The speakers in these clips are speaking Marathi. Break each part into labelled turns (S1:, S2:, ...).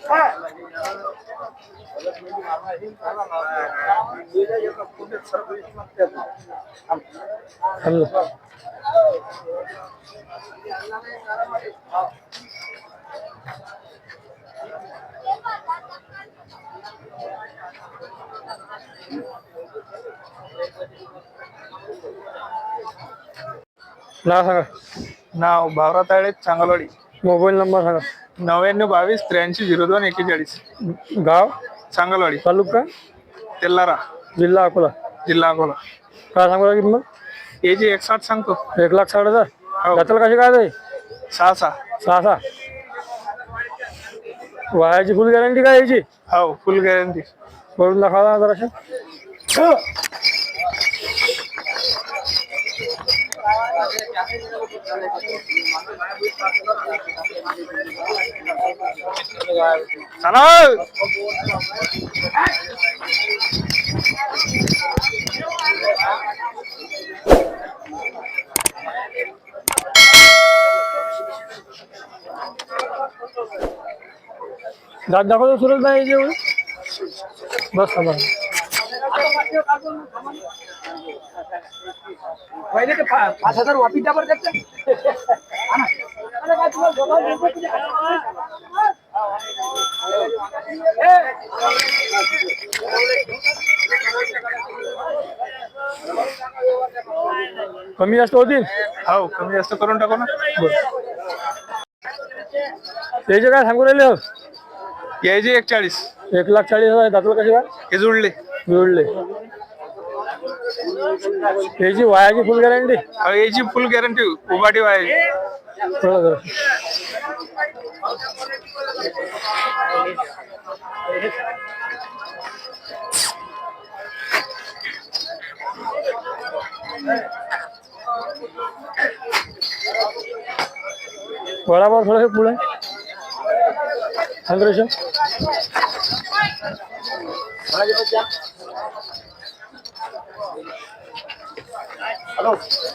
S1: नाव सांगा.
S2: नाव भावरा ताळे, चांगलवाडी.
S1: मोबाईल नंबर सांगा.
S2: 9922 830241.
S1: गाव
S2: चांगलवाडी,
S1: तालुका
S2: तेल्लारा,
S1: जिल्हा अकोला.
S2: जिल्हा अकोला.
S1: काय सांगू लागेल मग?
S2: याची 160 सांगतो.
S1: 1,60,000.
S2: हो.
S1: दाताला कशी काय आहे?
S2: 6
S1: सहा. वायाची फुल गॅरंटी काय याची?
S2: हो, फुल गॅरंटी.
S1: करून दाखवा जराशे.
S2: चला.
S1: दात दाखवतो सुरत नाही याची. बस बस.
S2: पहिले ते 5,000 वापिस द्या बरं त्याचं.
S1: कमी जास्त होतील.
S2: हो, कमी जास्त करून टाकू ना.
S1: त्याचे काय सांगू राहिले?
S2: यायची 140.
S1: 1,40,000. दाताला कशी काय?
S2: हे जुळले.
S1: जुळले. त्याची वायाची फुल गॅरंटी.
S2: हो, याची फुल गॅरंटी. उभाटी वायाची.
S1: बराबर थोडं पुढे संग्रेश.
S2: हॅलो.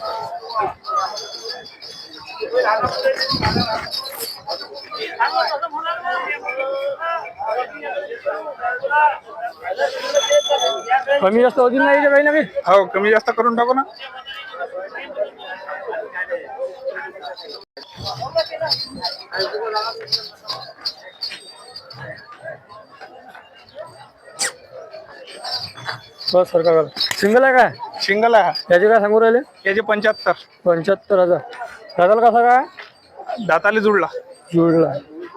S1: कमी जास्त होतील नाही काही ना काही.
S2: हो, कमी जास्त करून टाकू ना.
S1: बस सरकार सिंगल आहे काय?
S2: सिंगल आहे.
S1: त्याचे काय सांगू राहिले?
S2: याचे 75.
S1: 75,000. दाताला कसा काय?
S2: दाताले जुळला.
S1: जुळला.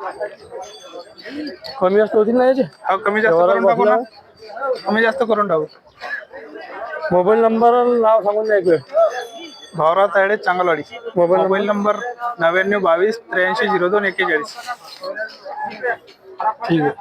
S1: कमी जास्त होतील ना याचे?
S2: हो, कमी जास्त करून टाकू ना. कमी जास्त करून टाकू.
S1: मोबाईल नंबर नाव सांगून द्या एक वेळ.
S2: भावरा ताळे, चांगलवाडी.
S1: Mobile
S2: number 9922 830241.
S1: ठीक आहे.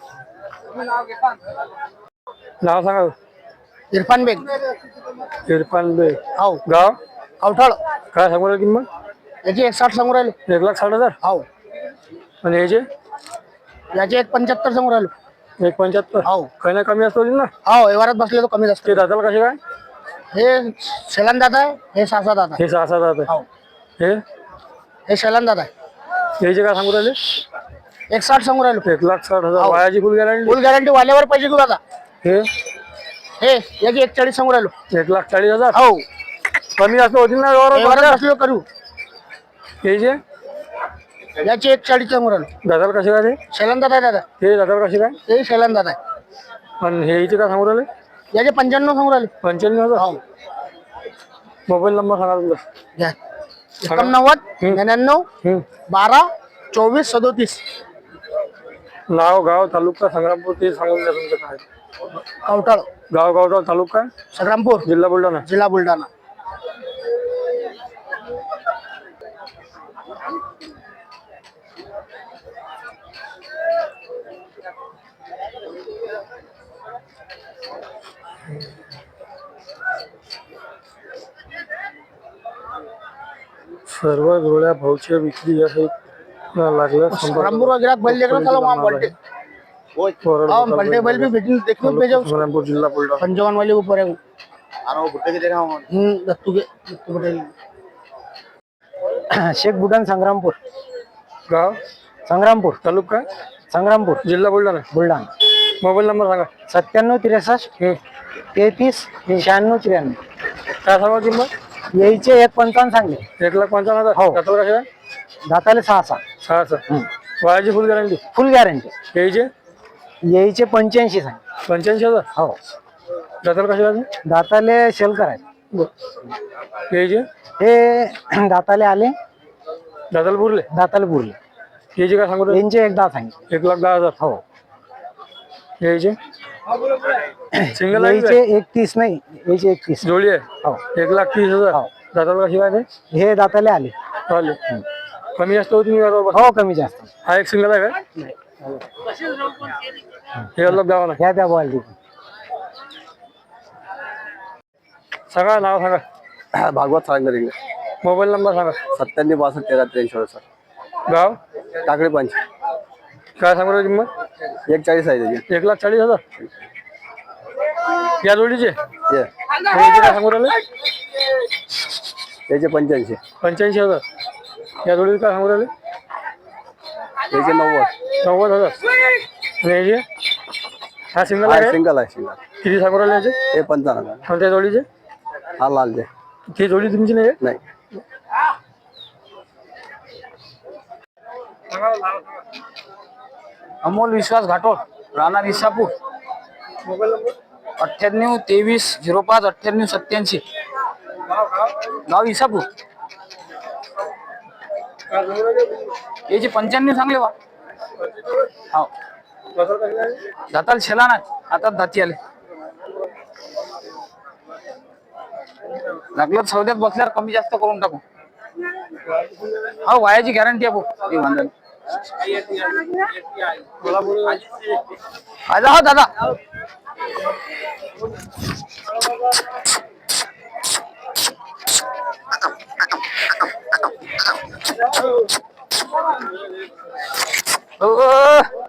S1: नाव सांगा.
S3: इरफान बेग.
S1: इरफान बेग.
S3: हो.
S1: गाव
S3: कवठाळ.
S1: काय सांगू राहिले किंमत?
S3: याची 160 सांगू राहिले.
S1: 1,60,000.
S3: हो.
S1: आणि याचे?
S3: याची 175 सांगू राहिलो.
S1: 1,75.
S3: हो.
S1: काही ना कमी जास्त होतील ना.
S3: हो, व्यवहारात बसले तर कमी जास्त.
S1: ते दाताला कसे काय?
S3: हे शेलान दादा आहे. हे 6 दादा आहे.
S1: हे 6 दात आहे.
S3: हो.
S1: हे
S3: शेलान दादा आहे.
S1: याचे काय सांगू राहिले?
S3: 160 सांगू राहिलो.
S1: 1,60,000. वायाची फुल गॅरंटी.
S3: फुल गॅरंटी वाल्यावर पैसे घेऊ आता.
S1: हे
S3: याची 140 सांगू राहिलो.
S1: 1,40,000.
S3: हो.
S1: कमी जास्त होतील ना
S3: व्यवहारात बसलो करू.
S1: याचे?
S3: याची 140 सांगू राहिलो.
S1: दाताला कसे काय? ते
S3: शेलान दादा आहे दादा.
S1: हे दाताला कसे काय?
S3: ते शेलान दादा आहे.
S1: आणि हे याचे काय सांगू राहिले?
S3: याचे 95 सांगू राहिले.
S1: 95,000.
S3: हो.
S1: मोबाईल नंबर सांगा तुमचा.
S3: घ्या. 91 99 12 24 37.
S1: नाव, गाव, तालुका, संग्रामपूर ते सांगून द्या तुमचं काय.
S3: कवठाळ.
S1: गाव तालुका
S3: संग्रामपूर,
S1: जिल्हा बुलढाणा.
S3: जिल्हा बुलढाणा.
S1: सर्व जोड्या भाऊच्या विक्री यासाठी लागल्या.
S3: संग्रामपूर गिराक बैल देखना चलो वहां बल्टे. बल्टे बैल भी बेचने देखने भेजो.
S1: संग्रामपूर जिल्हा बुलढाणा.
S3: पंचावन वाले ऊपर है. आना वो भुट्टे के देखा हूं. दत्तू पटेल. शेख बुडान संग्रामपूर.
S1: गाव
S3: संग्रामपूर
S1: तालुका
S4: संग्रामपूर
S1: जिल्हा बुलढाणा.
S4: बुलढाणा.
S1: मोबाईल नंबर सांगा.
S4: 97 63 33 96 93.
S1: काय सांगा किंमत?
S4: यायचे 1.55 सांगले.
S1: 1,55,000.
S4: हो.
S1: दाताला कशा आहे?
S4: दाताले 6
S1: 6. वयाची फुल गॅरंटी.
S4: फुल गॅरंटी.
S1: यायचे
S4: यायचे 85 सांग.
S1: 85,000.
S4: हो.
S1: दाताला कशा आहे?
S4: दाताले शेल करायचे.
S1: यायचे
S4: हे दाताले आले,
S1: दाताला पुरले.
S4: दाताले पुरले.
S1: यायचे काय सांगू राहिले?
S4: यांचे एकदा सांगितले.
S1: 1,10,000.
S4: हो.
S1: यायचे सिंगल आहे
S4: यायचे 31 नाही, यायचे 31.
S1: जोडी आहे.
S4: हो.
S1: 1,30,000.
S4: हो.
S1: दाताला कशी काय
S4: हे दाताले आले.
S1: चालेल. कमी जास्त होती मी बरोबर.
S4: हो कमी जास्त.
S1: हा एक सिंगल आहे का? हे अलग गावा ना.
S4: ह्या त्या बॉल
S1: सांगा नाव सांगा.
S3: भागवत सांगणार इंग्लिश.
S1: मोबाईल नंबर सांगा.
S3: 97 62 13 63 सर.
S1: गाव
S3: टाकळी पंच.
S1: काय सांगू राहिली किंमत?
S3: 140 आहे त्याची.
S1: 1,40,000. या जोडीचे
S3: हे
S1: याचे काय सांगू राहिले?
S3: त्याचे 85.
S1: 85,000. या जोडीचे काय सांगू राहिले?
S3: त्याचे 90.
S1: 90,000. आणि याचे हा सिंगल आहे.
S3: सिंगल आहे सिंगल.
S1: किती सांगू राहिले याचे?
S3: हे 55.
S1: आणि त्या जोडीचे
S3: हा लाल दे.
S1: ती जोडी तुमची नाही आहे?
S3: नाही.
S2: अमोल विश्वास घाटोळ, राणा विसापूर.
S1: Mobile number
S2: 98 23 05 98 87. गाव विसापूर.
S1: काय सांगू राहिले?
S2: याचे 95 सांगले बा. हो.
S1: दाताला कशी आहे?
S2: दाताला छेला नाही, हातात दाती आले. लागलं सौद्यात बसल्यावर कमी जास्त करून टाकू. हो वायाची गॅरंटी आहे भाऊ. हे वांधा नाही.
S1: मला बोलू.
S2: आजा हो दादा. ओ